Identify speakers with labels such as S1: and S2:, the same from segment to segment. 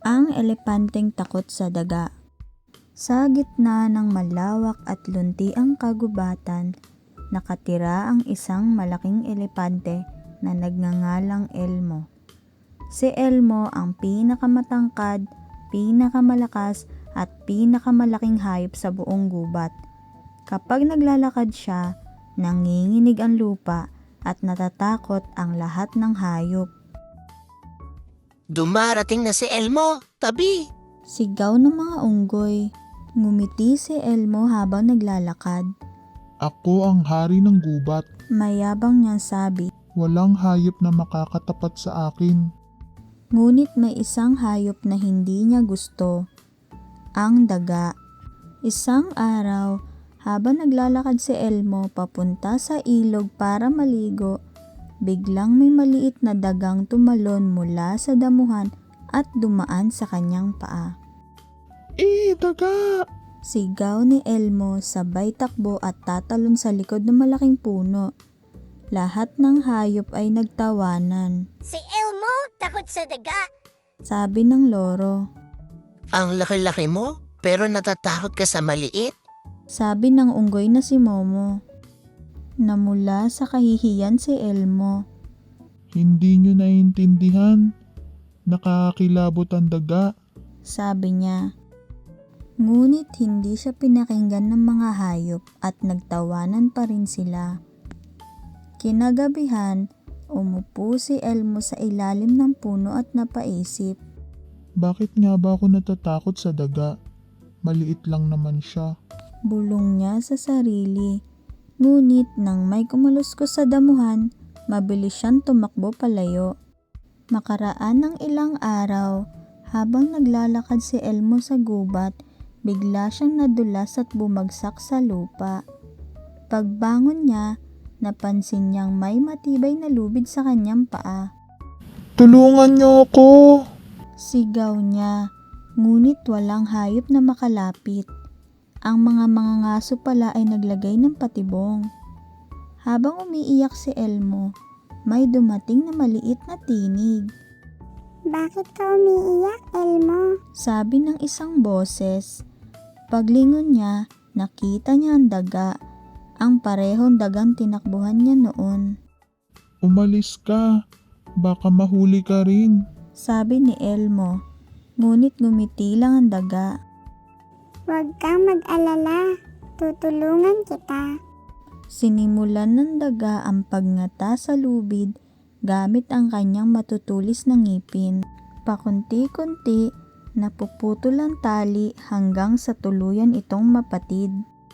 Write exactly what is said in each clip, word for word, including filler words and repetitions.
S1: Ang elepanteng takot sa daga. Sa gitna ng malawak at luntiang kagubatan, nakatira ang isang malaking elepante na nagngangalang Elmo. Si Elmo ang pinakamatangkad, pinakamalakas at pinakamalaking hayop sa buong gubat. Kapag naglalakad siya, nanginginig ang lupa at natatakot ang lahat ng hayop.
S2: Dumarating na si Elmo, tabi!
S1: Sigaw ng mga unggoy. Ngumiti si Elmo habang naglalakad.
S3: Ako ang hari ng gubat.
S1: Mayabang niyang sabi.
S3: Walang hayop na makakatapat sa akin.
S1: Ngunit may isang hayop na hindi niya gusto. Ang daga. Isang araw, habang naglalakad si Elmo papunta sa ilog para maligo, biglang may maliit na dagang tumalon mula sa damuhan at dumaan sa kanyang paa.
S3: Eh, daga!
S1: Sigaw ni Elmo sabay takbo at tatalon sa likod ng malaking puno. Lahat ng hayop ay nagtawanan.
S4: Si Elmo takot sa daga.
S1: Sabi ng loro.
S2: Ang laki-laki mo, pero natatakot ka sa maliit?
S1: Sabi ng unggoy na si Momo. Namula sa kahihiyan si Elmo.
S3: Hindi nyo naiintindihan. Nakakakilabot ang daga.
S1: Sabi niya. Ngunit hindi siya pinakinggan ng mga hayop at nagtawanan pa rin sila. Kinagabihan, umupo si Elmo sa ilalim ng puno at napaisip.
S3: Bakit nga ba ako natatakot sa daga? Maliit lang naman siya.
S1: Bulong niya sa sarili. Ngunit nang may kumuluskos sa damuhan, mabilis siyang tumakbo palayo. Makaraan ng ilang araw, habang naglalakad si Elmo sa gubat, bigla siyang nadulas at bumagsak sa lupa. Pagbangon niya, napansin niyang may matibay na lubid sa kanyang paa.
S3: Tulungan niyo ako!
S1: Sigaw niya, ngunit walang hayop na makalapit. Ang mga mangangaso pala ay naglagay ng patibong. Habang umiiyak si Elmo, may dumating na maliit na tinig.
S4: Bakit ka umiiyak, Elmo?
S1: Sabi ng isang boses. Paglingon niya, nakita niya ang daga, ang parehong dagang tinakbuhan niya noon.
S3: Umalis ka, baka mahuli ka rin.
S1: Sabi ni Elmo, ngunit ngumiti lang ang daga.
S4: Huwag kang mag-alala, tutulungan kita.
S1: Sinimulan ng daga ang pagngata sa lubid gamit ang kanyang matutulis na ngipin. Pakunti-kunti, napuputol ang tali hanggang sa tuluyan itong mapatid.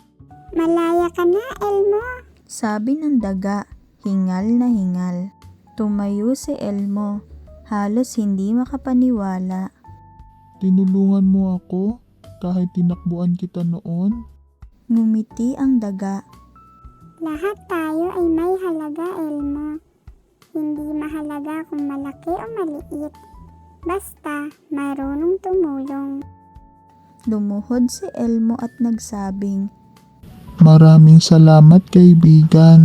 S4: Malaya ka na, Elmo.
S1: Sabi ng daga, hingal na hingal. Tumayo si Elmo, halos hindi makapaniwala.
S3: Tinulungan mo ako kahit tinakbuan kita noon?
S1: Ngumiti ang daga.
S4: Lahat tayo ay may halaga, Elmo. Hindi mahalaga kung malaki o maliit. Basta marunong tumulong.
S1: Lumuhod si Elmo at nagsabing,
S3: Maraming salamat, kaibigan.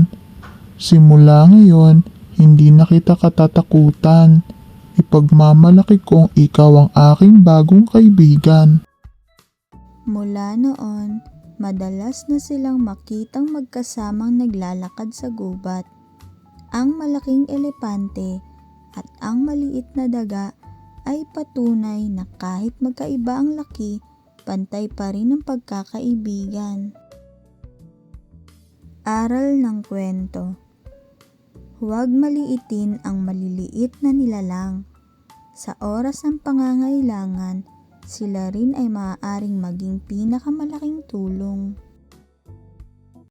S3: Simula ngayon, hindi na kita katatakutan. Ipagmamalaki kong ikaw ang aking bagong kaibigan.
S1: Mula noon, madalas na silang makitang magkasamang naglalakad sa gubat. Ang malaking elepante at ang maliit na daga ay patunay na kahit magkaiba ang laki, pantay pa rin ang pagkakaibigan. Aral ng kwento. Huwag maliitin ang maliliit na nilalang. Sa oras ng pangangailangan, sila rin ay maaaring maging pinakamalaking tulong.